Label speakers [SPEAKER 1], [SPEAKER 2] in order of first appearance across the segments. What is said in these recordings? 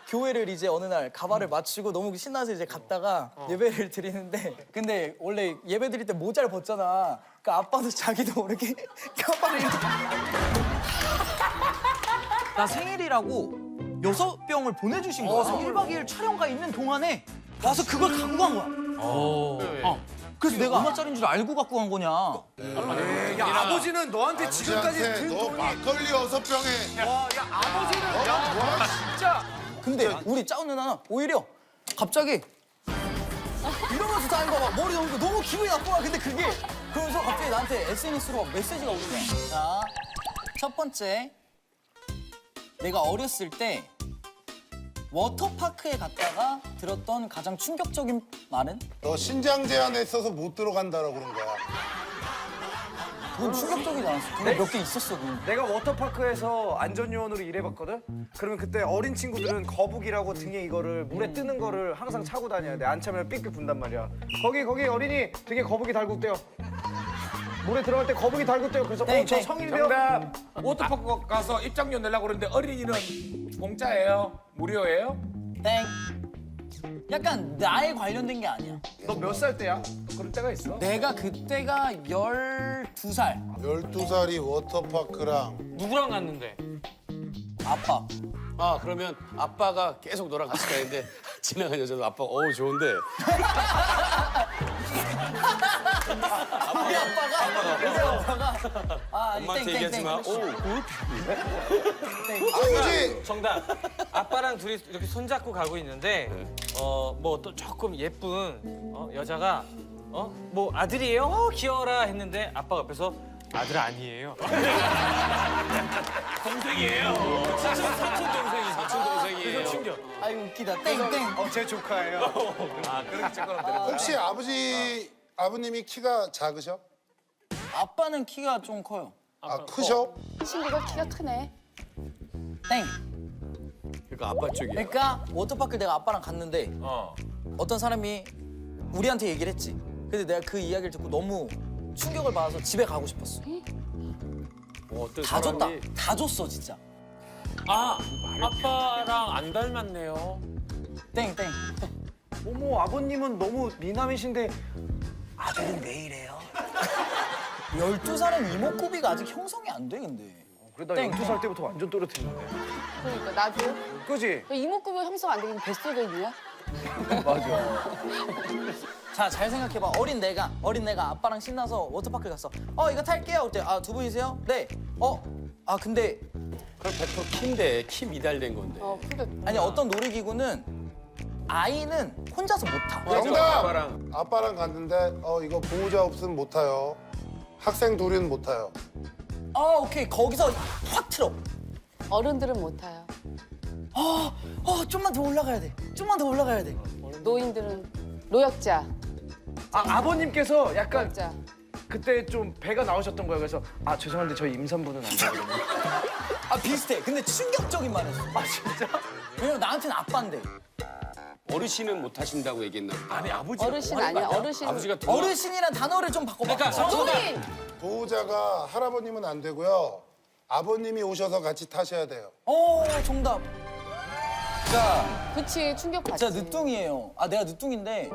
[SPEAKER 1] 교회를 이제 어느 날 가발을 맞추고 너무 신나서 이제 갔다가 예배를 드리는데 근데 원래 예배 드릴 때 모자를 벗잖아. 그러니까 아빠도 자기도 모르게 가발을 이렇게 나 생일이라고 6병을 보내주신 거야. 1박 2일 촬영가 있는 동안에 와서 그걸 갖고 간 거야. 그래서 내가 얼마짜리인 줄 알고 갖고 간 거냐.
[SPEAKER 2] 야, 아버지는 너한테 지금까지
[SPEAKER 3] 아버지한테
[SPEAKER 2] 든
[SPEAKER 3] 너
[SPEAKER 2] 돈이
[SPEAKER 3] 막걸리 6병에
[SPEAKER 2] 와, 야, 아버지는 야, 진짜
[SPEAKER 1] 근데 우리 짜온 누나는 오히려 갑자기 이러면서 다닌 거야. 머리 넘고 너무 기분이 나쁜 거야. 근데 그게 그러면서 갑자기 나한테 SNS로 메시지가 오는 거야. 자, 첫 번째. 내가 어렸을 때 워터파크에 갔다가 들었던 가장 충격적인 말은?
[SPEAKER 3] 너 신장 제한했어서 못 들어간다라고 그런 거야.
[SPEAKER 1] 그건 충격적이지 않았어. 그거 몇 개 있었어. 그건.
[SPEAKER 2] 내가 워터파크에서 안전요원으로 일해봤거든? 그러면 그때 어린 친구들은 거북이라고 등에 이거를 물에 뜨는 거를 항상 차고 다녀야 돼. 안 차면 삑삑 분단 말이야. 거기 어린이 등에 거북이 달고 떼요. 물에 들어갈 때 거북이 달고 떼요. 그래서
[SPEAKER 1] 땡,
[SPEAKER 2] 저
[SPEAKER 1] 땡.
[SPEAKER 2] 성인이요?
[SPEAKER 4] 정답. 워터파크 가서 입장료 내려고 그러는데 어린이는 공짜예요? 무료예요?
[SPEAKER 1] 땡. 약간 나에 관련된 게 아니야.
[SPEAKER 2] 너 몇 살 때야? 그럴 때가 있어?
[SPEAKER 1] 내가 그때가 12살.
[SPEAKER 3] 12살이 워터파크랑
[SPEAKER 5] 누구랑 갔는데?
[SPEAKER 1] 아빠.
[SPEAKER 6] 아 그러면 아빠가 계속 너랑 같이 가는데 지나간 여자도 아빠 어우 좋은데
[SPEAKER 1] 우리 아빠가. 그래서 아빠가. 아, 아니,
[SPEAKER 6] 엄마한테
[SPEAKER 1] 땡,
[SPEAKER 6] 얘기하지
[SPEAKER 1] 땡,
[SPEAKER 6] 마.
[SPEAKER 1] 땡.
[SPEAKER 6] 오 굿.
[SPEAKER 3] 아버지
[SPEAKER 5] 정답. 아빠랑 둘이 이렇게 손잡고 가고 있는데 뭐 또 조금 예쁜 여자가 뭐 아들이에요? 귀여워라 했는데 아빠가 옆에서 아들 아니에요.
[SPEAKER 6] 동생이에요. 사촌 동생이 사촌 동생이에요.
[SPEAKER 5] 충격.
[SPEAKER 1] 아이고 웃기다. 땡, 땡.
[SPEAKER 2] 제 조카예요.
[SPEAKER 4] 아, 그렇게 조금 되는
[SPEAKER 3] 혹시 아버님이 키가 작으셔?
[SPEAKER 1] 아빠는 키가 좀 커요.
[SPEAKER 3] 아 크셔?
[SPEAKER 7] 친구가 키가 크네.
[SPEAKER 1] 땡.
[SPEAKER 6] 그러니까 아빠 쪽이야.
[SPEAKER 1] 그러니까 워터파크 내가 아빠랑 갔는데
[SPEAKER 4] 어.
[SPEAKER 1] 어떤 사람이 우리한테 얘기를 했지. 근데 내가 그 이야기를 듣고 너무 충격을 받아서 집에 가고 싶었어.
[SPEAKER 6] 어떤
[SPEAKER 1] 다 줬다.
[SPEAKER 6] 사람이
[SPEAKER 1] 다 줬어 진짜.
[SPEAKER 5] 아, 아빠랑 안 닮았네요.
[SPEAKER 1] 땡, 땡.
[SPEAKER 2] 어머, 아버님은 너무 미남이신데 아들은 왜 이래요?
[SPEAKER 1] 12살은 이목구비가 아직 형성이 안 돼 근데.
[SPEAKER 2] 그래도
[SPEAKER 1] 땡.
[SPEAKER 2] 나 12살 때부터 완전 또렷했는데.
[SPEAKER 7] 그러니까 나도
[SPEAKER 2] 그지?
[SPEAKER 7] 이목구비 형성 안 되긴 뱃속에 있냐?
[SPEAKER 1] 자, 잘 생각해봐. 어린 내가 아빠랑 신나서 워터파크 갔어. 이거 탈게요. 그때 두 분이세요? 네. 근데
[SPEAKER 6] 그럼 100% 키인데 키 미달된 건데.
[SPEAKER 7] 그러니까
[SPEAKER 1] 아니 어떤 놀이기구는 아이는 혼자서 못 타.
[SPEAKER 3] 정답! 아빠랑 갔는데 이거 보호자 없으면 못 타요. 학생 둘이는 못 타요.
[SPEAKER 1] 오케이. 거기서 확 틀어.
[SPEAKER 7] 어른들은 못 타요.
[SPEAKER 1] 좀만 더 올라가야 돼. 좀만 더 올라가야 돼.
[SPEAKER 7] 노인들은 노약자,
[SPEAKER 2] 아버님께서 약간
[SPEAKER 7] 노약자.
[SPEAKER 2] 그때 좀 배가 나오셨던 거예요. 그래서 죄송한데 저희 임산부는 안 되거든요.
[SPEAKER 1] 비슷해. 근데 충격적인 말이었어.
[SPEAKER 2] 진짜?
[SPEAKER 1] 왜냐면 나한테는 아빠인데.
[SPEAKER 6] 어르신은 못 하신다고 얘기했나 보다.
[SPEAKER 4] 아니, 아버지.
[SPEAKER 7] 어르신 아니야. 어르신.
[SPEAKER 6] 아버지가 더
[SPEAKER 1] 어르신이란 단어를 좀 바꿔봐.
[SPEAKER 5] 그러니까
[SPEAKER 7] 노인.
[SPEAKER 3] 보호자가 할아버님은 안 되고요. 아버님이 오셔서 같이 타셔야 돼요.
[SPEAKER 1] 정답. 자,
[SPEAKER 7] 그치 충격받지.
[SPEAKER 1] 진짜 늦둥이에요. 내가 늦둥인데.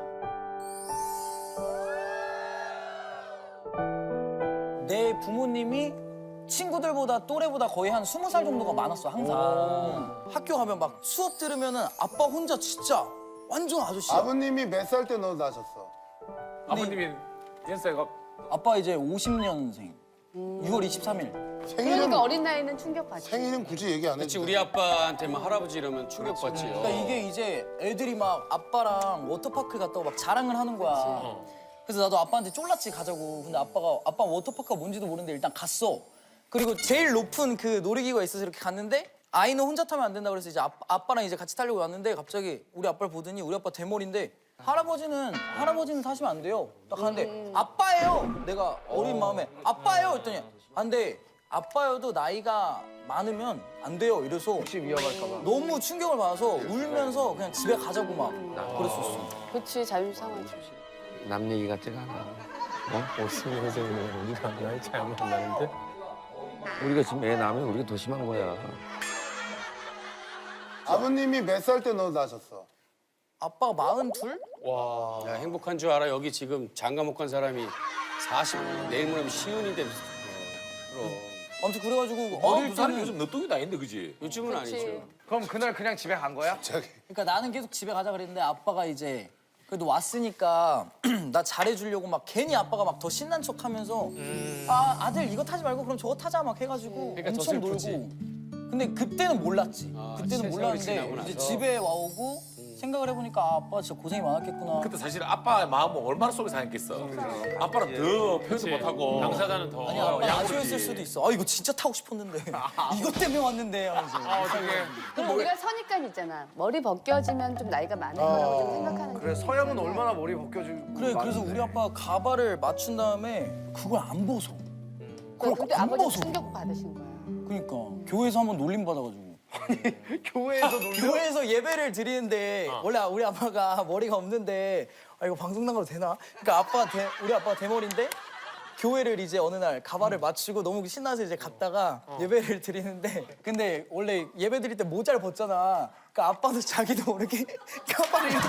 [SPEAKER 1] 내 부모님이 친구들보다 또래보다 거의 한 20살 정도가 많았어, 항상. 학교 가면 막 수업 들으면은 아빠 혼자 진짜 완전 아저씨야.
[SPEAKER 3] 아버님이 몇 살 때 너 낳으셨어?
[SPEAKER 4] 아버님이 연세가
[SPEAKER 1] 아빠 이제 50년생. 6월 23일.
[SPEAKER 7] 그러니까 어린 나이는 충격받지.
[SPEAKER 3] 생일은 굳이 얘기 안
[SPEAKER 6] 그렇지
[SPEAKER 3] 했지.
[SPEAKER 6] 우리 아빠한테만 할아버지 이러면 충격받지요.
[SPEAKER 1] 그러니까 이게 이제 애들이 막 아빠랑 워터파크 갔다고 막 자랑을 하는 거야. 그래서 나도 아빠한테 쫄랐지 가자고. 근데 아빠 워터파크가 뭔지도 모르는데 일단 갔어. 그리고 제일 높은 그 놀이기구가 있어서 이렇게 갔는데 아이는 혼자 타면 안 된다 그래서 이제 아빠랑 이제 같이 타려고 왔는데 갑자기 우리 아빠를 보더니 우리 아빠 대머리인데 할아버지는 타시면 안 돼요. 딱 가는데 아빠예요. 내가 어린 마음에 아빠예요 했더니 안 돼. 아빠여도 나이가 많으면 안 돼요. 이래서
[SPEAKER 2] 혹시 위험할까 봐.
[SPEAKER 1] 너무 충격을 받아서 울면서 그냥 집에 가자고 막 그랬었어.
[SPEAKER 7] 그치 자존심 상하지.
[SPEAKER 8] 남 얘기 같지가 않아. 50년생이면 우리가 나이 차이 안 나는데 우리가 지금 애 낳으면 우리가 더 심한 거야.
[SPEAKER 3] 아버님이 몇 살 때 너 낳으셨어?
[SPEAKER 1] 아빠가 42?
[SPEAKER 6] 야, 행복한 줄 알아. 여기 지금 장가 못 간 사람이 40, 내일 모레면 시운인데. 그럼.
[SPEAKER 1] 아무튼 그래가지고
[SPEAKER 4] 어릴
[SPEAKER 1] 어릴
[SPEAKER 4] 때는
[SPEAKER 1] 때는
[SPEAKER 4] 요즘 너뚱이 다닌데 그지?
[SPEAKER 6] 요즘은
[SPEAKER 7] 그치.
[SPEAKER 6] 아니죠.
[SPEAKER 2] 그럼 그날 그냥 집에 간 거야?
[SPEAKER 3] 저기
[SPEAKER 1] 그러니까 나는 계속 집에 가자 그랬는데 아빠가 이제 그래도 왔으니까 나 잘해주려고 막 괜히 아빠가 막 더 신난 척하면서 아 아들 이거 타지 말고 그럼 저거 타자 막 해가지고
[SPEAKER 6] 그러니까 더
[SPEAKER 1] 엄청
[SPEAKER 6] 슬프지.
[SPEAKER 1] 놀고 근데 그때는 몰랐지
[SPEAKER 6] 아,
[SPEAKER 1] 그때는
[SPEAKER 6] 세월이 지나고
[SPEAKER 1] 몰랐는데 이제
[SPEAKER 6] 나서.
[SPEAKER 1] 집에 와오고 생각을 해보니까 아, 아빠 진짜 고생이 많았겠구나
[SPEAKER 4] 그때 사실 아빠의 마음은 얼마나 속에 상했겠어. 아빠는 더 표현도 못하고.
[SPEAKER 5] 당사자는 더.
[SPEAKER 1] 아니 아빠
[SPEAKER 4] 양보지.
[SPEAKER 1] 아쉬웠을 수도 있어 아 이거 진짜 타고 싶었는데 이것 때문에 왔는데 하면서
[SPEAKER 7] 그럼 우리가 선입관 있잖아. 머리 벗겨지면 좀 나이가 많은 거라고 좀 생각하는
[SPEAKER 2] 그래
[SPEAKER 7] 거
[SPEAKER 2] 서양은
[SPEAKER 7] 있잖아.
[SPEAKER 2] 얼마나 머리 벗겨지고
[SPEAKER 1] 그래 그래서 우리 아빠가 가발을 맞춘 다음에 그걸 안 벗어
[SPEAKER 7] 근데
[SPEAKER 1] 안
[SPEAKER 7] 아버지
[SPEAKER 1] 벗어.
[SPEAKER 7] 충격 받으신 거야.
[SPEAKER 1] 그러니까 교회에서 한번 놀림 받아가지고
[SPEAKER 2] 교회에서 놀려?
[SPEAKER 1] 교회에서 예배를 드리는데 원래 우리 아빠가 머리가 없는데 아 이거 방송 나가도 되나? 그러니까 우리 아빠가 대머리인데 교회를 이제 어느 날 가발을 맞추고 너무 신나서 이제 갔다가 예배를 드리는데 근데 원래 예배 드릴 때 모자를 벗잖아. 그러니까 아빠도 자기도 모르게 가발을 이렇게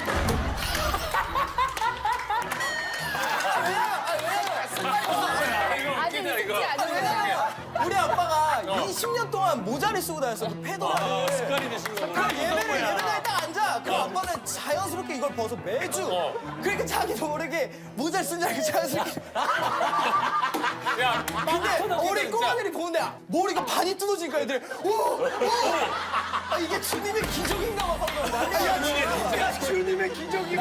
[SPEAKER 7] 아직 익숙지 않으면
[SPEAKER 1] 우리 아빠가 20년 동안 모자를 쓰고 다녔어. 그 페도라를.
[SPEAKER 5] 습관이 되신 거구나.
[SPEAKER 1] 그럼 예배당에 딱 앉아. 그럼 아빠는 자연스럽게 이걸 벗어 매주. 그러니까 자기도 모르게 모자를 쓴 줄 알고 자연스럽게.
[SPEAKER 5] 야,
[SPEAKER 1] 근데 우리 꼬마들이 보는데 머리가 반이 뜯어지니까 애들 오! 아, 이게 주님의 기적인가 봐 방금. 난리야.
[SPEAKER 2] 주님의 기적이네.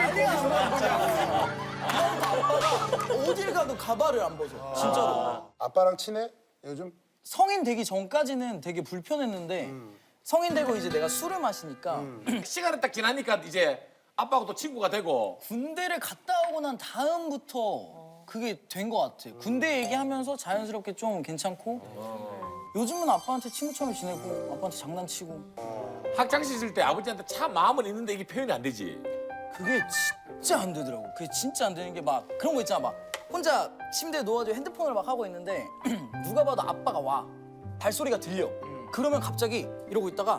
[SPEAKER 1] 아빠가 어딜 가도 가발을 안 벗어. 진짜로.
[SPEAKER 3] 아빠랑 친해? 요즘?
[SPEAKER 1] 성인 되기 전까지는 되게 불편했는데 성인 되고 이제 내가 술을 마시니까
[SPEAKER 4] 시간이 딱 지나니까 이제 아빠하고 또 친구가 되고.
[SPEAKER 1] 군대를 갔다 오고 난 다음부터 그게 된 것 같아. 군대 얘기하면서 자연스럽게 좀 괜찮고 요즘은 아빠한테 친구처럼 지내고 아빠한테 장난치고
[SPEAKER 4] 학창 시절 때 아버지한테 참 마음은 있는데 이게 표현이 안 되지.
[SPEAKER 1] 그게 진짜 안 되더라고. 그게 진짜 안 되는 게 막 그런 거 있잖아. 막 혼자 침대에 누워가지고 핸드폰을 막 하고 있는데 누가 봐도 아빠가 와. 발소리가 들려. 그러면 갑자기 이러고 있다가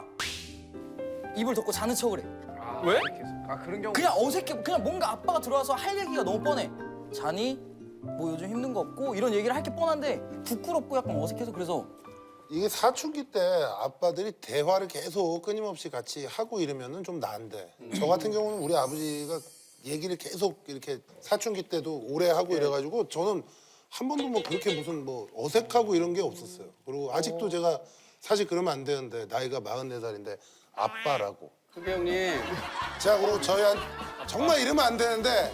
[SPEAKER 1] 입을 덮고 자는 척을 해.
[SPEAKER 5] 왜?
[SPEAKER 2] 아 그런 경우
[SPEAKER 1] 그냥 어색해. 그냥 뭔가 아빠가 들어와서 할 얘기가 너무 뻔해. 자니? 뭐 요즘 힘든 거 없고 이런 얘기를 할 게 뻔한데 부끄럽고 약간 어색해서 그래서
[SPEAKER 3] 이게 사춘기 때 아빠들이 대화를 계속 끊임없이 같이 하고 이러면은 좀 나은데 저 같은 경우는 우리 아버지가 얘기를 계속 이렇게 사춘기 때도 오래 하고 이래가지고 저는 한 번도 뭐 그렇게 무슨 뭐 어색하고 이런 게 없었어요. 그리고 아직도 제가 사실 그러면 안 되는데 나이가 44살인데 아빠라고.
[SPEAKER 6] 그게 형님.
[SPEAKER 3] 제가 그리고 저희한 정말 이러면 안 되는데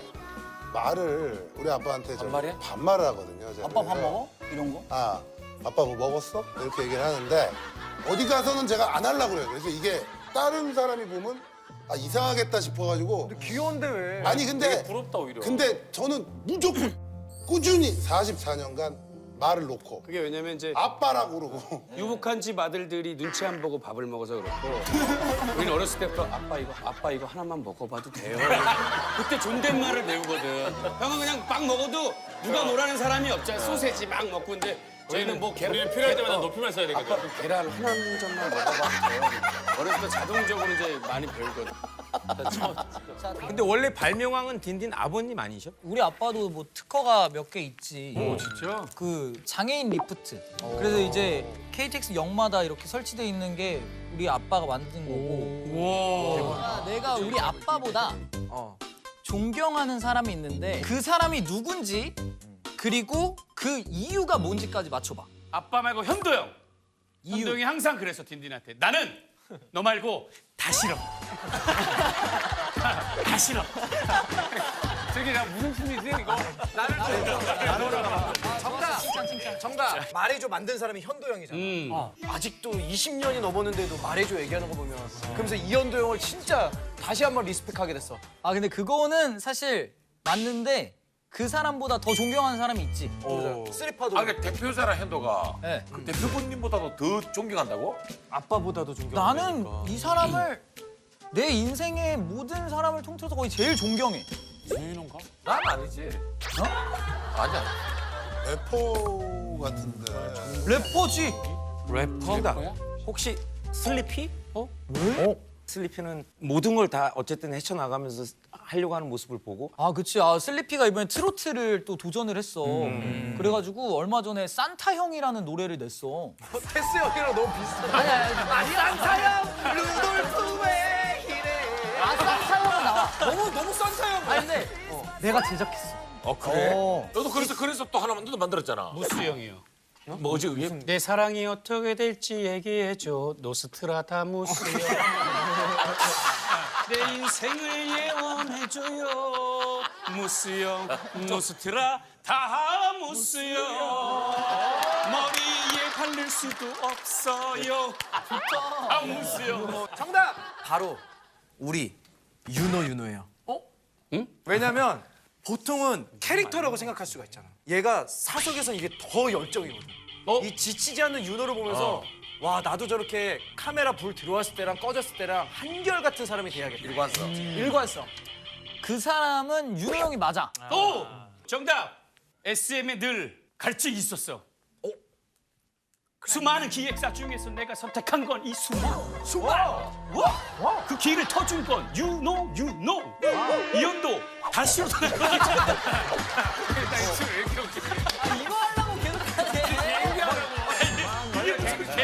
[SPEAKER 3] 말을 우리 아빠한테
[SPEAKER 6] 반말이야?
[SPEAKER 3] 반말을 하거든요. 제가.
[SPEAKER 1] 아빠 밥
[SPEAKER 3] 그래서
[SPEAKER 1] 먹어? 이런 거?
[SPEAKER 3] 아, 아빠 뭐 먹었어? 이렇게 얘기를 하는데 어디 가서는 제가 안 하려고 그래요. 그래서 이게 다른 사람이 보면 아, 이상하겠다 싶어가지고
[SPEAKER 2] 귀여운데 왜?
[SPEAKER 3] 아니 근데
[SPEAKER 5] 부럽다 오히려.
[SPEAKER 3] 근데 저는 무조건 꾸준히 44년간 말을 놓고
[SPEAKER 6] 그게 왜냐면 이제
[SPEAKER 3] 아빠라고 그러고
[SPEAKER 6] 유복한 집 아들들이 눈치 안 보고 밥을 먹어서 그렇고 우리는 어렸을 때부터 아빠 이거 하나만 먹어봐도 돼요. 그때 존댓말을 배우거든. 형은 그냥 빵 먹어도 누가 뭐라는 사람이 없잖아. 소세지 막 먹고 근데 저희는 뭐 계란
[SPEAKER 5] 필요할 때마다 높이만 써야 되거든.
[SPEAKER 6] 아빠 그 계란 한 점만 먹어봐도 돼요. 어렸을 때 자동적으로 이제 많이 배우거든.
[SPEAKER 5] 근데 원래 발명왕은 딘딘 아버님 아니셔?
[SPEAKER 1] 우리 아빠도 뭐 특허가 몇 개 있지.
[SPEAKER 5] 오 진짜?
[SPEAKER 1] 그 장애인 리프트. 그래서 이제 KTX 역마다 이렇게 설치돼 있는 게 우리 아빠가 만든 거고.
[SPEAKER 5] 와.
[SPEAKER 1] 내가 우리 아빠보다 존경하는 사람이 있는데 그 사람이 누군지 그리고 그 이유가 뭔지까지 맞춰봐.
[SPEAKER 9] 아빠 말고 현도형.
[SPEAKER 1] 이유.
[SPEAKER 9] 현도형이 항상 그랬어 딘딘한테. 나는 너 말고 다 싫어. 다 싫어. 저기 나 무슨 춤이지 이거?
[SPEAKER 2] 정답. 말해줘 만든 사람이 현도형이잖아. 아직도 20년이 넘었는데도 말해줘 얘기하는 거 보면 그러면서 이현도 형을 진짜 다시 한번 리스펙하게 됐어.
[SPEAKER 1] 아 근데 그거는 사실 맞는데 그 사람보다 더 존경하는 사람이 있지.
[SPEAKER 2] 쓰리파도.
[SPEAKER 4] 아, 그러니까 대표자라 현도가
[SPEAKER 1] 네.
[SPEAKER 4] 그 대표분님보다도 더 존경한다고?
[SPEAKER 5] 아빠보다도 존경.
[SPEAKER 1] 나는 이 사람을 내 인생의 모든 사람을 통틀어서 거의 제일 존경해.
[SPEAKER 5] 주인인가?
[SPEAKER 4] 난 아니지. 아니야.
[SPEAKER 3] 래퍼 같은데
[SPEAKER 1] 래퍼지.
[SPEAKER 5] 래퍼? 혹시
[SPEAKER 8] 슬리피? 왜? 슬리피는 모든 걸 다 어쨌든 헤쳐나가면서 하려고 하는 모습을 보고
[SPEAKER 1] 아, 그치. 아, 슬리피가 이번에 트로트를 또 도전을 했어. 그래가지고 얼마 전에 산타 형이라는 노래를 냈어.
[SPEAKER 2] 테스 형이랑 너무 비슷해.
[SPEAKER 1] 아니, 산타 형, 루돌프 왜 이래. 아, 산타 형은 나와.
[SPEAKER 4] 너무 산타 형.
[SPEAKER 1] 아니, 근데 내가 제작했어.
[SPEAKER 4] 그래? 너도 그래서 또 하나 너도 만들었잖아.
[SPEAKER 9] 무스 형이요.
[SPEAKER 4] 뭐지 그게?
[SPEAKER 9] 내 사랑이 어떻게 될지 얘기해줘. 노스트라다무스 형. 내 인생을 예언해줘요. 무스 형. 노스트라다무스 형. 머리에 바를 수도 없어요. 무스 형.
[SPEAKER 2] 정답.
[SPEAKER 5] 바로 우리 윤호예요.
[SPEAKER 2] 왜냐면 보통은 캐릭터라고 생각할 수가 있잖아. 얘가 사석에선 이게 더 열정이거든. 이 지치지 않는 윤호를 보면서 와 나도 저렇게 카메라 불 들어왔을 때랑 꺼졌을 때랑 한결같은 사람이 돼야겠다. 일관성.
[SPEAKER 1] 그 사람은 윤호 형이 맞아.
[SPEAKER 9] 오! 정답! SM에 늘 갈증이 있었어. 수많은 기획사 중에서 내가 선택한 건 이 수만. 그 기회를 터준 건 you know. 이현도 다시로 돌아갈 거야.
[SPEAKER 1] 이거 하려고 계속 하네.
[SPEAKER 9] 이게 무슨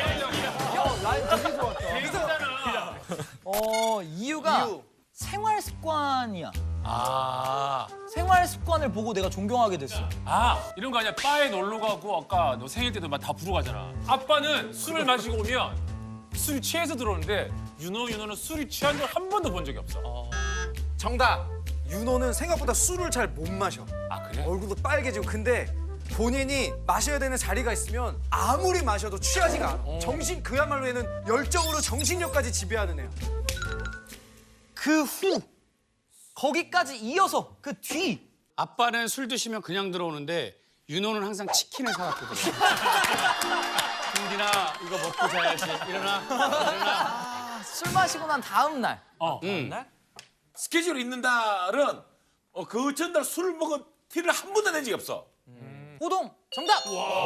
[SPEAKER 9] 개념이야.
[SPEAKER 1] 이유가 생활 습관이야.
[SPEAKER 4] 아,
[SPEAKER 1] 생활 습관을 보고 내가 존경하게 됐어.
[SPEAKER 10] 이런 거 아니야. 바에 놀러 가고 아까 너 생일 때도 막 다 부르고 가잖아. 아빠는 술을 마시고 오면 술이 취해서 들어오는데 윤호는 술이 취한 걸 한 번도 본 적이 없어.
[SPEAKER 2] 정답. 윤호는 생각보다 술을 잘 못 마셔.
[SPEAKER 10] 아, 그래?
[SPEAKER 2] 얼굴도 빨개지고. 근데 본인이 마셔야 되는 자리가 있으면 아무리 마셔도 취하지가 않아. 정신 그야말로 얘는 열정으로 정신력까지 지배하는 애야.
[SPEAKER 1] 그 후 거기까지 이어서 그 뒤.
[SPEAKER 9] 아빠는 술 드시면 그냥 들어오는데 윤호는 항상 치킨을 사갖고 들어와. 김디나 이거 먹고 자야지. 일어나.
[SPEAKER 1] 술 마시고 난 다음 날.
[SPEAKER 4] 스케줄 있는 날은 그 전날 술을 먹은 티를 한 번도 낸 적이 없어.
[SPEAKER 1] 호동 정답.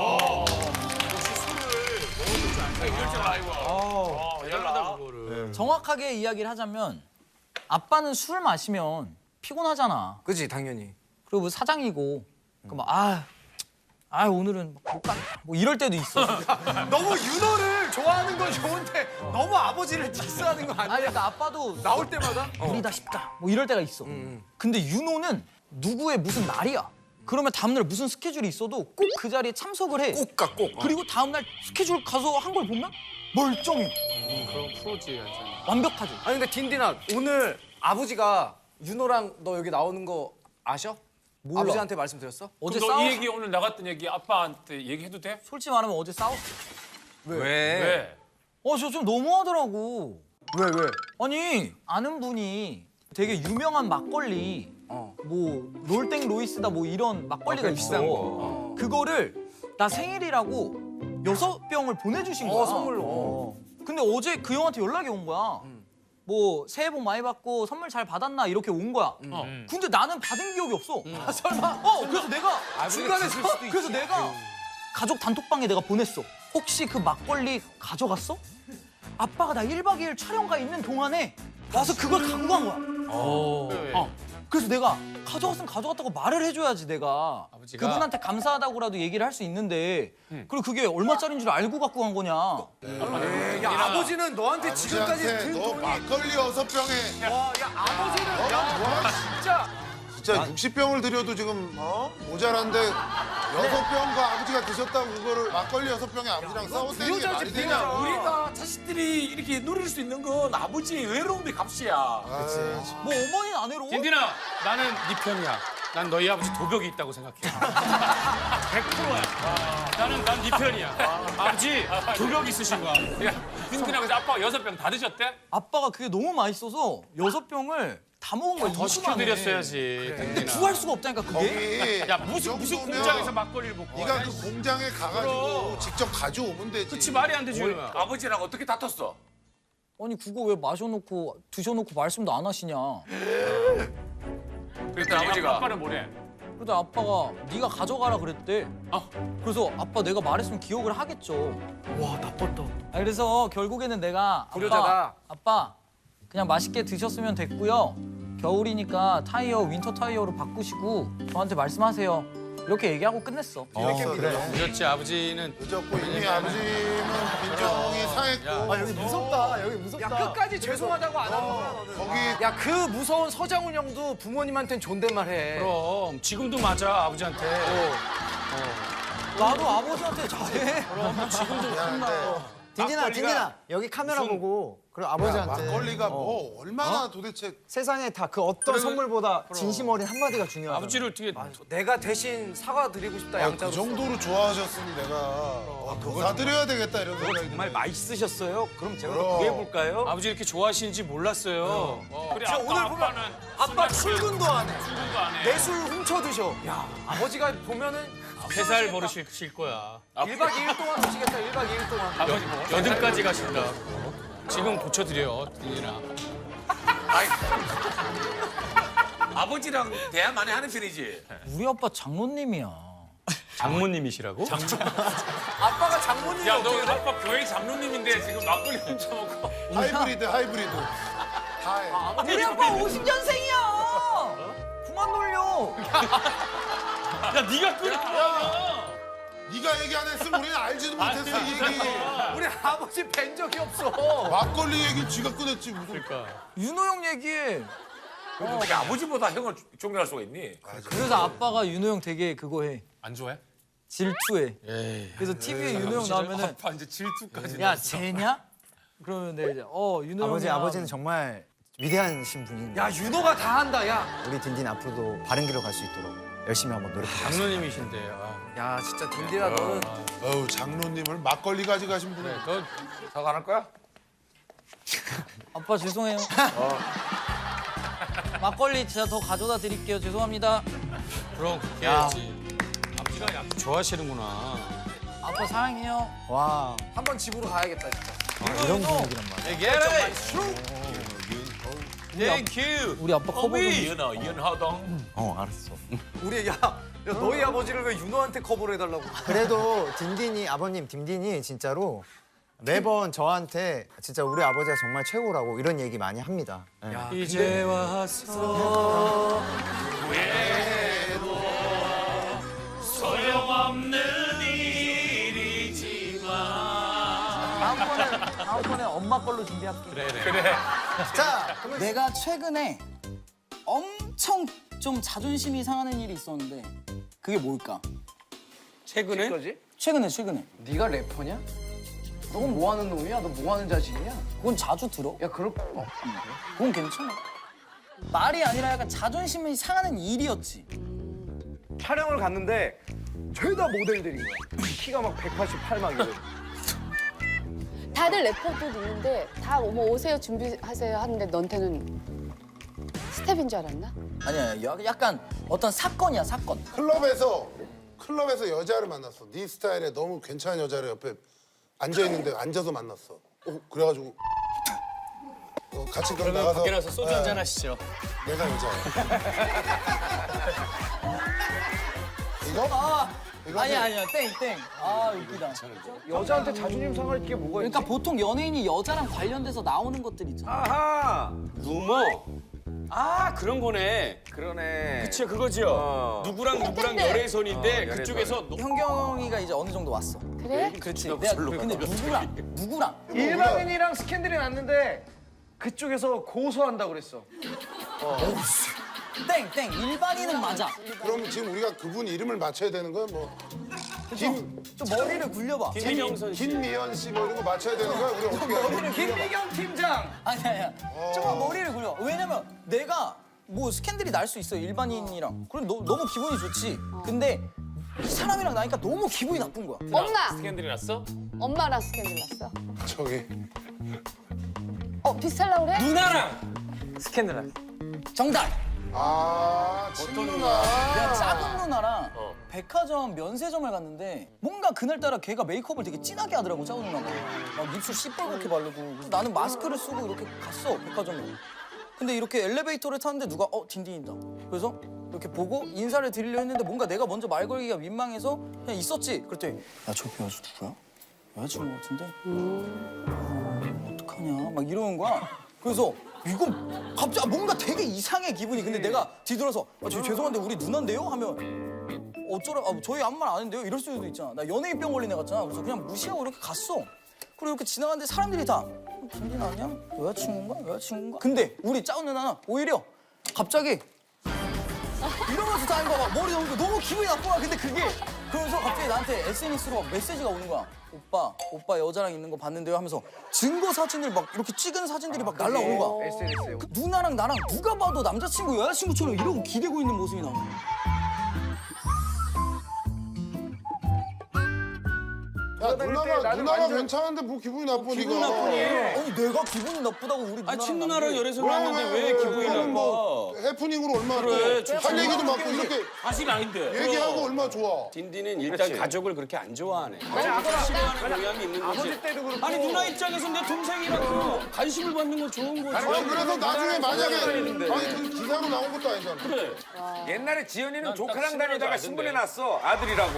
[SPEAKER 4] 이럴 줄 알고.
[SPEAKER 9] 대단하다 그거를.
[SPEAKER 1] 정확하게 이야기를 하자면 아빠는 술 마시면 피곤하잖아.
[SPEAKER 2] 그지 당연히.
[SPEAKER 1] 그리고 뭐 사장이고 그막 오늘은 못 가. 뭐 이럴 때도 있어.
[SPEAKER 2] 너무 윤호를 좋아하는 건 좋은데 너무 아버지를 디스하는 거 아니야?
[SPEAKER 1] 아니 그러니까 아빠도
[SPEAKER 2] 나올 때마다?
[SPEAKER 1] 우리다 싶다. 뭐 이럴 때가 있어. 근데 윤호는 누구의 무슨 날이야. 그러면 다음날 무슨 스케줄이 있어도 꼭 그 자리에 참석을 해.
[SPEAKER 2] 꼭 가, 꼭.
[SPEAKER 1] 그리고 다음날 스케줄 가서 한 걸 보면 멀쩡해.
[SPEAKER 9] 그럼 프로지 완전.
[SPEAKER 1] 완벽하지.
[SPEAKER 2] 아니 근데 딘딘아 오늘 아버지가 윤호랑 너 여기 나오는 거 아셔?
[SPEAKER 1] 몰라.
[SPEAKER 2] 아버지한테 말씀드렸어?
[SPEAKER 1] 어제
[SPEAKER 10] 너
[SPEAKER 1] 싸웠어.
[SPEAKER 10] 이 얘기 오늘 나갔던 얘기 아빠한테 얘기해도 돼?
[SPEAKER 1] 솔직히 말하면 어제 싸웠어.
[SPEAKER 10] 왜?
[SPEAKER 1] 저 좀 너무하더라고.
[SPEAKER 2] 왜?
[SPEAKER 1] 아니 아는 분이 되게 유명한 막걸리 뭐 롤땡 로이스다 뭐 이런 막걸리가 있어.
[SPEAKER 2] 비싼 거.
[SPEAKER 1] 그거를 나 생일이라고 6병을 보내주신 거야.
[SPEAKER 2] 선물로.
[SPEAKER 1] 근데 어제 그 형한테 연락이 온 거야. 뭐 새해 복 많이 받고 선물 잘 받았나 이렇게 온 거야. 근데 나는 받은 기억이 없어. 설마? 그래서 내가
[SPEAKER 2] 중간에 쓸 수도
[SPEAKER 1] 그래서 내가 가족 단톡방에 내가 보냈어. 혹시 그 막걸리 가져갔어? 아빠가 나 1박 2일 촬영가 있는 동안에 와서 그걸 갖고 간 거야. 그래서 내가 가져갔으면 가져갔다고 말을 해줘야지 내가.
[SPEAKER 9] 아버지가?
[SPEAKER 1] 그분한테 감사하다고라도 얘기를 할 수 있는데 그리고 그게 얼마짜리인 줄 알고 갖고 간 거냐.
[SPEAKER 2] 야 아버지는 너한테 지금까지
[SPEAKER 3] 아버지한테
[SPEAKER 2] 든
[SPEAKER 3] 너
[SPEAKER 2] 돈이
[SPEAKER 3] 막걸리 6병에
[SPEAKER 2] 와, 야 아버지는 야
[SPEAKER 3] 뭐야?
[SPEAKER 2] 진짜
[SPEAKER 3] 진짜 60병을 드려도 지금 모자란데 6병과 아버지가 드셨다고 그거를 막걸리 6병에 아버지랑 싸웠다는 게 말이 되냐?
[SPEAKER 4] 우리가 자식들이 이렇게 누릴 수 있는 건 아버지의 외로움의 값이야.
[SPEAKER 1] 뭐 어머니는 안 해로?
[SPEAKER 9] 김디나 나는 네 편이야. 난 너희 아버지 도벽이 있다고 생각해. 100%야. 난 네 편이야. 아버지 도벽 있으신 거야.
[SPEAKER 10] 야, 빈티나 그래서 아빠가 6병 다 드셨대?
[SPEAKER 1] 아빠가 그게 너무 맛있어서 6병을 다 먹은 거야.
[SPEAKER 9] 더 시켜드렸어야지.
[SPEAKER 1] 근데 구할 수가 없다니까 그게.
[SPEAKER 3] 거기
[SPEAKER 9] 야 무슨 공장에서 막걸리를 먹고.
[SPEAKER 3] 네가 그 공장에 가가지고
[SPEAKER 9] 그럼.
[SPEAKER 3] 직접 가져오면 되지.
[SPEAKER 9] 그치 말이 안 되지.
[SPEAKER 4] 아버지랑 어떻게 다퉜어?
[SPEAKER 1] 아니 그거 왜 마셔놓고 드셔놓고 말씀도 안 하시냐.
[SPEAKER 4] 그랬더니 아버지가
[SPEAKER 10] 아빠는 뭐래?
[SPEAKER 1] 그러다 아빠가 네가 가져가라 그랬대. 그래서 아빠 내가 말했으면 기억을 하겠죠. 와 나빴다. 그래서 결국에는 내가
[SPEAKER 2] 불효자다.
[SPEAKER 1] 아빠 그냥 맛있게 드셨으면 됐고요. 겨울이니까 타이어 윈터 타이어로 바꾸시고 저한테 말씀하세요. 이렇게 얘기하고 끝냈어.
[SPEAKER 6] 늦었지 아버지는
[SPEAKER 3] 늦었고 이미 아버지는 빈정이 상했고
[SPEAKER 2] 여기 무섭다. 여기 무섭다. 야 끝까지 죄송하다고 안 하는 거야 너는.
[SPEAKER 3] 거기
[SPEAKER 2] 야 그 무서운 서장훈 형도 부모님한테는 존댓말 해.
[SPEAKER 6] 그럼 지금도 맞아 아버지한테.
[SPEAKER 1] 나도 아버지한테 잘해.
[SPEAKER 11] 딘딘아 여기 카메라 보고 그리고 아버지한테
[SPEAKER 3] 막걸리가 뭐 얼마나 도대체
[SPEAKER 11] 세상에 다 그 어떤 선물보다 진심 어린 한마디가 중요하다.
[SPEAKER 6] 아버지를 어떻게
[SPEAKER 2] 내가 대신 사과드리고 싶다
[SPEAKER 3] 그
[SPEAKER 2] 양자로.
[SPEAKER 3] 정도로 좋아하셨으니 내가 더 사드려야 되겠다 이런 생각이
[SPEAKER 8] 정말 맛있으셨어요? 그럼 제가
[SPEAKER 3] 그럼.
[SPEAKER 8] 구해볼까요?
[SPEAKER 6] 아버지 이렇게 좋아하시는지 몰랐어요.
[SPEAKER 10] 그래
[SPEAKER 2] 진짜 오늘 보면 아빠 출근도 안 해.
[SPEAKER 10] 출근도 안 해.
[SPEAKER 2] 내 술 훔쳐 드셔. 야 아버지가 보면은
[SPEAKER 6] 회사를 버리실 거야.
[SPEAKER 2] 1박 2일 동안 드시겠다. 1박 2일 동안.
[SPEAKER 10] 아버지 뭐.
[SPEAKER 6] 여든까지 가신다. 지금 고쳐드려, 딘딘아.
[SPEAKER 4] 아버지랑 대화 많이 하는 편이지.
[SPEAKER 1] 우리 아빠 장로님이야.
[SPEAKER 6] 장모님이시라고?
[SPEAKER 2] 아빠가 장모님이
[SPEAKER 10] 야, 너
[SPEAKER 2] 어떻게 돼?
[SPEAKER 10] 아빠 교회 장로님인데 지금 막걸리 훔쳐먹고.
[SPEAKER 3] 하이브리드 다 해.
[SPEAKER 1] 우리 아빠 50년생이야. 그만 놀려.
[SPEAKER 6] 야, 네가 끓여.
[SPEAKER 3] 네가 얘기 안 했으면 우리는 알지도 못했어 이 얘기.
[SPEAKER 2] 우리 아버지 뵌 적이 없어.
[SPEAKER 3] 막걸리 얘기 쥐가 꺼냈지 무슨.
[SPEAKER 1] 윤호 형 얘기해.
[SPEAKER 4] 그래도 어떻게 아버지보다 형을 존경할 수가 있니?
[SPEAKER 1] 그래서 아빠가 윤호 형 되게 그거 해.
[SPEAKER 10] 안 좋아해?
[SPEAKER 1] 질투해. 그래서 TV에 윤호 형 나오면은
[SPEAKER 10] 아빠 이제 질투까지.
[SPEAKER 1] 야 쟤냐? 그러면 내가 이제 윤호 형이야.
[SPEAKER 11] 아버지는 정말 위대하신 분입니다.
[SPEAKER 2] 야 윤호가 다 한다. 야.
[SPEAKER 11] 우리 딘딘 앞으로도 바른 길로 갈 수 있도록 열심히 한번 노력해.
[SPEAKER 6] 장모님이신데.
[SPEAKER 2] 야 진짜 딘딘아 너는
[SPEAKER 3] 어우 장로님을 막걸리 가져가신 분이.
[SPEAKER 6] 너
[SPEAKER 4] 사과 안 할 거야?
[SPEAKER 1] 아빠 죄송해요. 막걸리 제가 더 가져다 드릴게요. 죄송합니다.
[SPEAKER 6] 그럼 그렇게 해야지. 아버지가 약 좋아하시는구나.
[SPEAKER 1] 아빠 사랑해요.
[SPEAKER 11] 와
[SPEAKER 2] 한번 집으로 가야겠다 진짜.
[SPEAKER 11] 이런 분위기란 말이야.
[SPEAKER 6] 땡큐.
[SPEAKER 1] 우리 아빠 커버 좀.
[SPEAKER 4] 윤하동.
[SPEAKER 11] 알았어.
[SPEAKER 2] 우리 야 너희 아버지를 왜 윤호한테 커버를 해달라고?
[SPEAKER 11] 그래도 아버님 딘딘이 진짜로 매번 저한테 진짜 우리 아버지가 정말 최고라고 이런 얘기 많이 합니다. 예.
[SPEAKER 6] 이제 와서
[SPEAKER 4] 소용없는 일이지만.
[SPEAKER 1] 다음번에 엄마 걸로 준비할게.
[SPEAKER 4] 그래.
[SPEAKER 1] 자, 내가 최근에 엄청 좀 자존심이 상하는 일이 있었는데 그게 뭘까?
[SPEAKER 6] 최근에
[SPEAKER 2] 거지?
[SPEAKER 1] 최근에.
[SPEAKER 2] 네가 래퍼냐? 넌 뭐 하는 놈이야? 너 뭐 하는 자식이냐?
[SPEAKER 1] 그건 자주 들어.
[SPEAKER 2] 야 그럴
[SPEAKER 1] 그건 괜찮아. 말이 아니라 약간 자존심이 상하는 일이었지.
[SPEAKER 2] 촬영을 갔는데 죄다 모델들인 거야. 키가 막 188막 이래.
[SPEAKER 7] 다들 래퍼도 있는데 다 뭐 오세요 준비하세요 하는데 너한테는 스텝인 줄 알았나?
[SPEAKER 1] 아니야, 약간 어떤 사건이야, 사건.
[SPEAKER 3] 클럽에서 여자를 만났어. 네 스타일에 너무 괜찮은 여자를 옆에 앉아 있는데 앉아서 만났어. 그래가지고 같이 그럼 나가서
[SPEAKER 6] 밖에 나서 소주 한잔 하시죠.
[SPEAKER 3] 내가 여자야. 이거? 이거
[SPEAKER 1] 아니야, 땡. 아, 웃기다.
[SPEAKER 2] 여자한테 자존심 상할 게 뭐가 있지?
[SPEAKER 1] 그러니까 보통 연예인이 여자랑 관련돼서 나오는 것들 있잖아.
[SPEAKER 6] 아하 루머. 아 그런 거네.
[SPEAKER 4] 그러네.
[SPEAKER 6] 그치 그거죠. 누구랑 열애선인데 그쪽에서
[SPEAKER 1] 현경이가 이제 어느 정도 왔어.
[SPEAKER 7] 그래?
[SPEAKER 1] 그렇지. 내가 근데 누구랑?
[SPEAKER 2] 일반인이랑 스캔들이 났는데 그쪽에서 고소한다고 그랬어.
[SPEAKER 1] 땡. 일반인은 맞아.
[SPEAKER 3] 그럼 지금 우리가 그분 이름을 맞춰야 되는 거야? 뭐
[SPEAKER 1] 좀 머리를 굴려봐.
[SPEAKER 6] 김명선 씨.
[SPEAKER 3] 김미연 씨 뭐 이런 거 맞춰야 되는 거야? 우리 어떻게 해야 돼?
[SPEAKER 2] 김미경 팀장.
[SPEAKER 1] 아니야. 조금 머리를 굴려. 왜냐면 내가 뭐 스캔들이 날 수 있어 일반인이랑. 그럼 너무 기분이 좋지. 근데 이 사람이랑 나니까 너무 기분이 나쁜 거야.
[SPEAKER 7] 엄마!
[SPEAKER 10] 스캔들이 났어?
[SPEAKER 7] 엄마랑 스캔들 났어.
[SPEAKER 3] 저기
[SPEAKER 7] 비슷하려고 그래?
[SPEAKER 5] 누나랑 스캔들 날.
[SPEAKER 1] 정답.
[SPEAKER 3] 친누나.
[SPEAKER 1] 내가 작은 누나랑 백화점 면세점을 갔는데 뭔가 그날따라 걔가 메이크업을 되게 진하게 하더라고, 작은 누나가. 막 입술 시뻘겋게 바르고. 그래서 나는 마스크를 쓰고 이렇게 갔어, 백화점에. 근데 이렇게 엘리베이터를 탔는데 누가 딘딘이다. 그래서 이렇게 보고 인사를 드리려 했는데 뭔가 내가 먼저 말 걸기가 민망해서 그냥 있었지. 그랬더니 야, 저 배우수 누구야? 여자친구 같은데? 어떡하냐 막 이러는 거야. 그래서 이건 갑자기 뭔가 되게 이상해 기분이. 근데 내가 뒤돌아서 죄송한데 우리 누나인데요? 하면 어쩌라 저희 아무 말 안 했는데요? 이럴 수도 있잖아. 나 연예인병 걸린 애 같잖아. 그래서 그냥 무시하고 이렇게 갔어. 그리고 이렇게 지나가는데 사람들이 다 김진 아니야? 여자친구인가? 근데 우리 짜운 누나는 오히려 갑자기 이러면서 다니는 거야. 막 머리 넘고 너무 기분이 나쁜 거야. 근데 그게 그러면서 갑자기 나한테 SNS로 막 메시지가 오는 거야. 오빠 여자랑 있는 거 봤는데요 하면서 증거 사진을 막 이렇게 찍은 사진들이 막 날라오는 거야.
[SPEAKER 2] SNS에.
[SPEAKER 1] 그 누나랑 나랑 누가 봐도 남자친구 여자친구처럼 이러고 기대고 있는 모습이 나오는 거야.
[SPEAKER 3] 야
[SPEAKER 2] 다닐 때
[SPEAKER 3] 누나가
[SPEAKER 2] 나는
[SPEAKER 3] 누나가
[SPEAKER 2] 완전-
[SPEAKER 3] 괜찮은데 뭐 기분이 나쁘니까.
[SPEAKER 1] 기분이 나쁘니? 아니 내가 기분이 나쁘다고 우리 누나랑
[SPEAKER 6] 친누나랑 열애설
[SPEAKER 3] 왜,
[SPEAKER 6] 났는데 왜 기분이
[SPEAKER 3] 그거는
[SPEAKER 6] 나빠?
[SPEAKER 3] 뭐 해프닝으로 얼마나
[SPEAKER 6] 그래,
[SPEAKER 3] 또 할 얘기도 많고 이렇게
[SPEAKER 4] 사실 아닌데.
[SPEAKER 3] 얘기하고 얼마나 좋아.
[SPEAKER 6] 딘딘은 일단 가족을 그렇게 안 좋아하네.
[SPEAKER 2] 아빠-
[SPEAKER 6] 싫어하는 경향이 있는 거지.
[SPEAKER 2] 아버지 때도 그렇고.
[SPEAKER 6] 아니 누나 입장에서 내 동생이라고 관심을 받는 건 좋은 거지.
[SPEAKER 3] 아니 그래서 나중에 만약에 아니 그 기사로 나온 것도 아니잖아.
[SPEAKER 6] 그래.
[SPEAKER 10] 옛날에 지연이는 조카랑 다니다가 신문해놨어 아들이라고.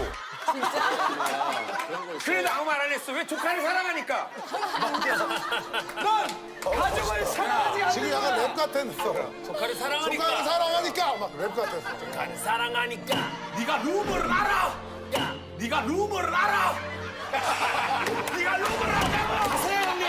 [SPEAKER 10] 그래도 아무 말 안 했어. 왜 조카를 사랑하니까. 넌 가족을 사랑하지 않는
[SPEAKER 3] 지금 약간 랩 같았어.
[SPEAKER 10] 조카를 사랑하니까.
[SPEAKER 3] 조카를 사랑하니까 막 랩 같았어.
[SPEAKER 10] 조카를 사랑하니까. 네가 루머를 알아. 야, 네가 루머를 알아. 네가 루머를 알아. 가세요 형님.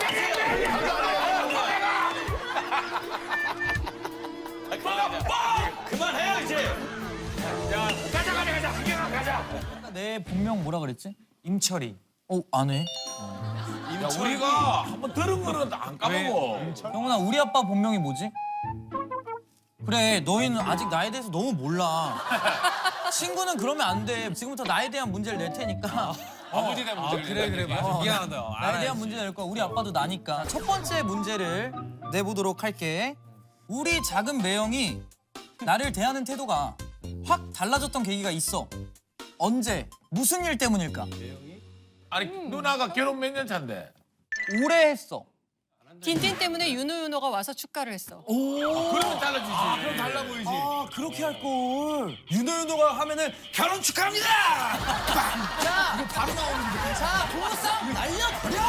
[SPEAKER 6] 그만해요 이제.
[SPEAKER 10] 야, 가자. 구경아 가자.
[SPEAKER 1] 내 본명 뭐라 그랬지? 임철이. 안 해?
[SPEAKER 4] 야, 우리가 한번 들은 거는 안 까먹어.
[SPEAKER 1] 형훈아 우리 아빠 본명이 뭐지? 그래 너희는 아직 나에 대해서 너무 몰라. 친구는 그러면 안 돼. 지금부터 나에 대한 문제를 낼 테니까.
[SPEAKER 10] 아버지에 대한 문제를
[SPEAKER 5] 그래 맞아. 미안하다.
[SPEAKER 1] 나에 대한 문제 낼 거야. 우리 아빠도 나니까. 첫 번째 문제를 내보도록 할게. 우리 작은 매형이 나를 대하는 태도가 확 달라졌던 계기가 있어. 언제? 무슨 일 때문일까?
[SPEAKER 4] 아니 누나가 결혼 몇 년 차인데?
[SPEAKER 1] 오래 했어.
[SPEAKER 12] 딘딘 때문에 윤호가 와서 축가를 했어.
[SPEAKER 4] 그러면 달라지지. 그럼 달라 보이지.
[SPEAKER 1] 그렇게 할 걸.
[SPEAKER 4] 윤호가 하면은 결혼 축하합니다.
[SPEAKER 1] 자, 이거 바로 나오는데. 자, 부부싸움 날려버려.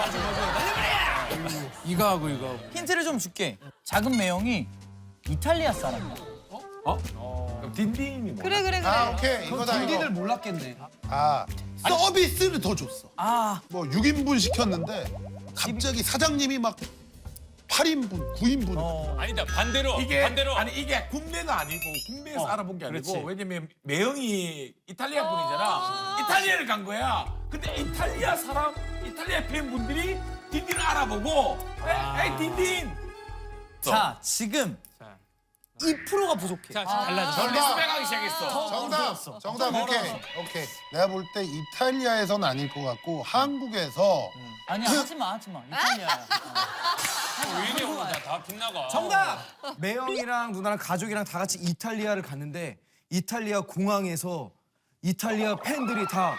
[SPEAKER 4] 이거 하고 이거.
[SPEAKER 1] 힌트를 좀 줄게. 작은 매형이 이탈리아 사람이야.
[SPEAKER 4] 그럼 딘딘이 뭐?
[SPEAKER 12] 그래.
[SPEAKER 3] 아 오케이 이거다 이거.
[SPEAKER 1] 몰랐겠네.
[SPEAKER 3] 아 서비스를 더 줬어.
[SPEAKER 1] 아,
[SPEAKER 3] 뭐 6인분 시켰는데 갑자기 사장님이 막 8인분, 9인분.
[SPEAKER 10] 아니다 반대로.
[SPEAKER 4] 아니 이게 국내가 아니고 국내에서 알아본 게 아니고 왜냐면 매형이 이탈리아 분이잖아. 이탈리아를 간 거야. 근데 이탈리아 팬분들이 딘딘을 알아보고 에이 딘딘.
[SPEAKER 1] 자, 지금 2%가 부족해.
[SPEAKER 5] 자, 달라져.
[SPEAKER 4] 저 리스펙하기 시작했어.
[SPEAKER 3] 정답 오케이. 내가 볼 때 이탈리아에선 아닐 것 같고 한국에서
[SPEAKER 1] 아니야, 하지 마. 이탈리아야.
[SPEAKER 10] 왜 이래 오늘 다 빗나가.
[SPEAKER 5] 정답! 매형이랑 누나랑 가족이랑 다 같이 이탈리아를 갔는데 이탈리아 공항에서 이탈리아 팬들이 다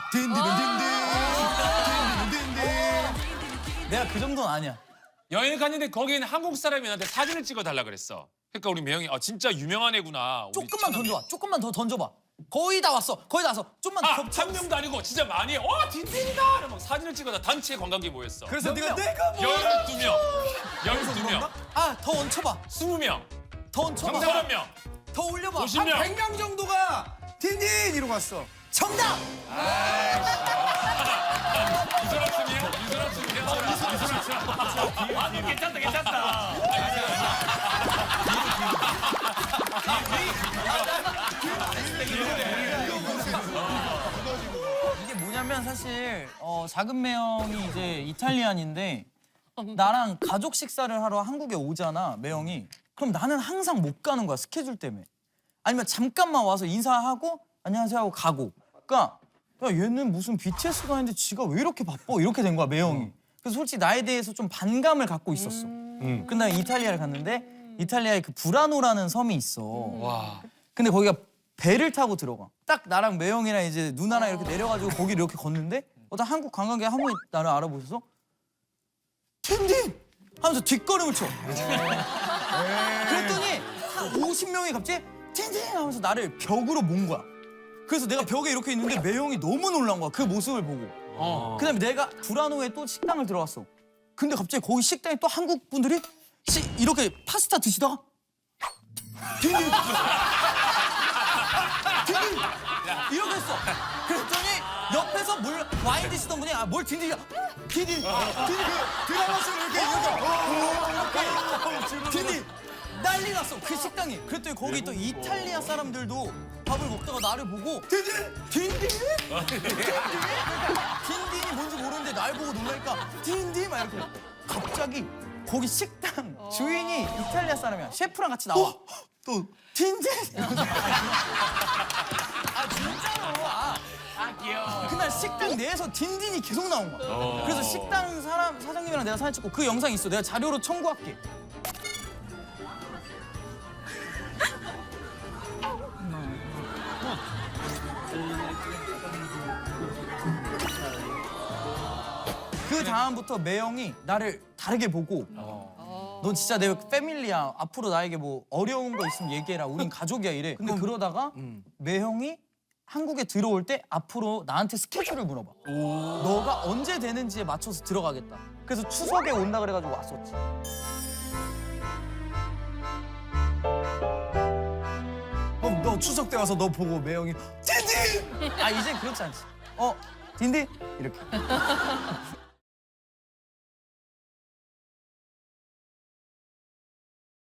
[SPEAKER 1] 내가 그 정도는 아니야.
[SPEAKER 10] 여행 갔는데 거기는 한국 사람이 나한테 사진을 찍어달라 그랬어. 그러니까 우리 매형이 진짜 유명한 애구나. 우리
[SPEAKER 1] 조금만
[SPEAKER 10] 처남이.
[SPEAKER 1] 던져봐. 조금만 더 던져봐. 거의 다 왔어. 좀만 더 겹쳐.
[SPEAKER 10] 한 명도 아니고 진짜 많이 해. 딘딘이다! 이러면 막 사진을 찍어서 단체 관광객 모였어.
[SPEAKER 5] 그래서 내가
[SPEAKER 10] 12명. 12명.
[SPEAKER 1] 더 얹혀봐.
[SPEAKER 10] 20명.
[SPEAKER 1] 더 얹혀봐.
[SPEAKER 10] 30명.
[SPEAKER 1] 더 올려봐.
[SPEAKER 10] 50명.
[SPEAKER 5] 100명 정도가 딘딘 이러고 왔어.
[SPEAKER 1] 정답!
[SPEAKER 10] 괜찮다.
[SPEAKER 1] 이게 뭐냐면 사실 작은 매형이 이제 이탈리안인데 나랑 가족 식사를 하러 한국에 오잖아 매형이. 그럼 나는 항상 못 가는 거야 스케줄 때문에. 아니면 잠깐만 와서 인사하고 안녕하세요 하고 가고. 그러니까 야 얘는 무슨 BTS 가는데 지가 왜 이렇게 바빠 이렇게 된 거야 매형이. 그래서 솔직히 나에 대해서 좀 반감을 갖고 있었어. 근데 이탈리아를 갔는데 이탈리아에 그 브라노라는 섬이 있어. 근데 거기가 배를 타고 들어가. 딱 나랑 매형이랑 이제 누나랑 이렇게 내려가지고 거기를 이렇게 걷는데 어떤 한국 관광객 한 분이 나를 알아보셔서 딘딘! 하면서 뒷걸음을 쳐. 그랬더니 한 50명이 갑자기 딘딘! 하면서 나를 벽으로 몬 거야. 그래서 내가 벽에 이렇게 있는데 매형이 너무 놀란 거야. 그 모습을 보고. 그다음에 내가 불안 후에 또 식당을 들어갔어. 근데 갑자기 거기 식당에 또 한국 분들이 이렇게 파스타 드시다가 딘딘 이렇게 했어. 그랬더니 옆에서 와인 드시던 분이 뭘 딘딘이야? 딘딘 드라마 속 이렇게 딘딘 난리 났어 그 식당이. 그랬더니 거기 또 이탈리아 사람들도 밥을 먹다가 나를 보고 딘딘이 뭔지 모르는데 날 보고 놀라니까 딘딘 막 이렇게. 갑자기 거기 식당 주인이 이탈리아 사람이야. 셰프랑 같이 나와. 또 딘딘. 아 진짜로. 귀여워. 그날 식당 내에서 딘딘이 계속 나온 거야. 그래서 식당 사장님이랑 내가 사진 찍고 그 영상 있어. 내가 자료로 청구할게. 그 다음부터 매형이 나를 다르게 보고 넌 진짜 내 패밀리야. 앞으로 나에게 뭐 어려운 거 있으면 얘기해라. 우린 가족이야 이래. 근데 그러다가 매형이 한국에 들어올 때 앞으로 나한테 스케줄을 물어봐. 너가 언제 되는지에 맞춰서 들어가겠다. 그래서 추석에 온다 그래가지고 왔었지. 너 추석 때 와서 너 보고 매형이 딘딘! 아 이제 그렇지 않지. 딘딘? 이렇게.